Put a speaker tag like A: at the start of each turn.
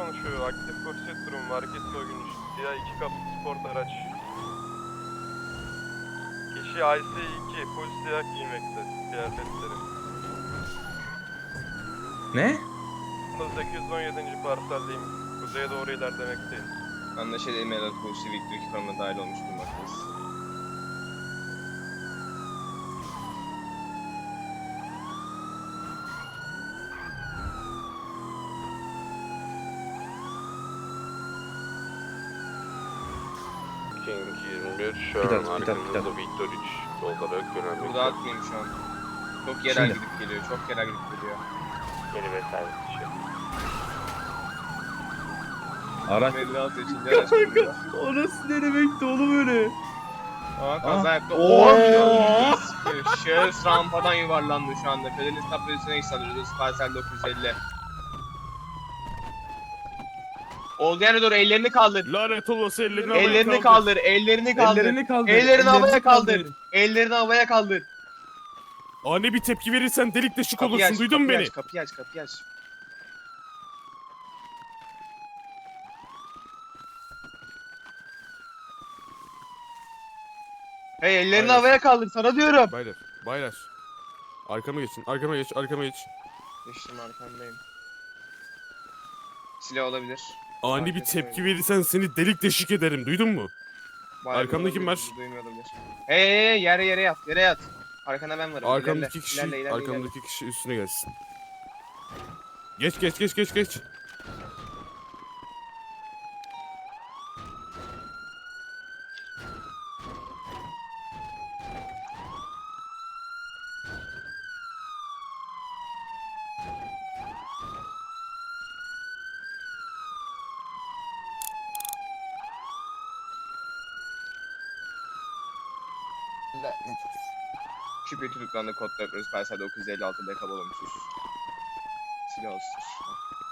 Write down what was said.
A: konuşuyor. Aktif korset durum, market soygunu, siyah 2 kaplı sport araç. Kişi IC2, full siyah giymekte, kıyafetleri.
B: Ne?
A: 817. parseldeyim, kuzeye doğru ilerlemekteyim.
C: Anlaşıldı, Emerald Polisi Victor 2 konuma dahil olmuş bulunmaktayız.
A: King 21 şu
B: Bir
A: an
B: dakika.
A: arkamızda Victor 3 olarak yönelmekte.
C: Burada atmayayım şu an. Çok yerel
B: Şimdi.
C: gidip geliyor, çok yerel gidip geliyor.
A: Yeni ve servis dışı.
B: Araç.
C: 56 yaşında araç kullanıyor.
B: Orası ne demekti oğlum öyle?
C: Aa, kaza yaptı.
B: Oo!
C: Şahıs rampadan yuvarlandı şu anda. Fedelis tablosuna iş alıyoruz. Parsel 950. Olduğu yere doğru ellerini kaldır.
D: Lanet olası ellerini
C: Ellerini kaldır, ellerini kaldır.
B: Ellerini kaldır.
C: Ellerini havaya kaldır.
B: kaldır.
C: Ellerini havaya kaldır.
D: Ani bir tepki verirsen delik deşik
C: Kapıyı
D: olursun,
C: aç,
D: duydun mu
C: kapıyı
D: beni?
C: aç, kapıyı aç, kapıyı aç. Hey, ellerini
D: Hayır.
C: havaya kaldır, sana diyorum.
D: Baylar. Arkama geçin, arkama geç.
C: Geçtim, arkandayım. Silah olabilir.
D: Ani bir
C: Market
D: tepki
C: soygunu.
D: verirsen seni delik deşik ederim, duydun mu?
C: Bayağı
D: Arkamda
C: bir
D: kim
C: olabilir,
D: var?
C: duymuyor olabilir. Hey, yere yat, yere yat. Arkana ben varım.
D: Arkamdaki
C: ilerle.
D: arkamdaki kişi üstüne gelsin. Geç.
C: Şüphe tutuklandı, kod 4 Parsel 956 dekabol olmuştur. Silah olsun.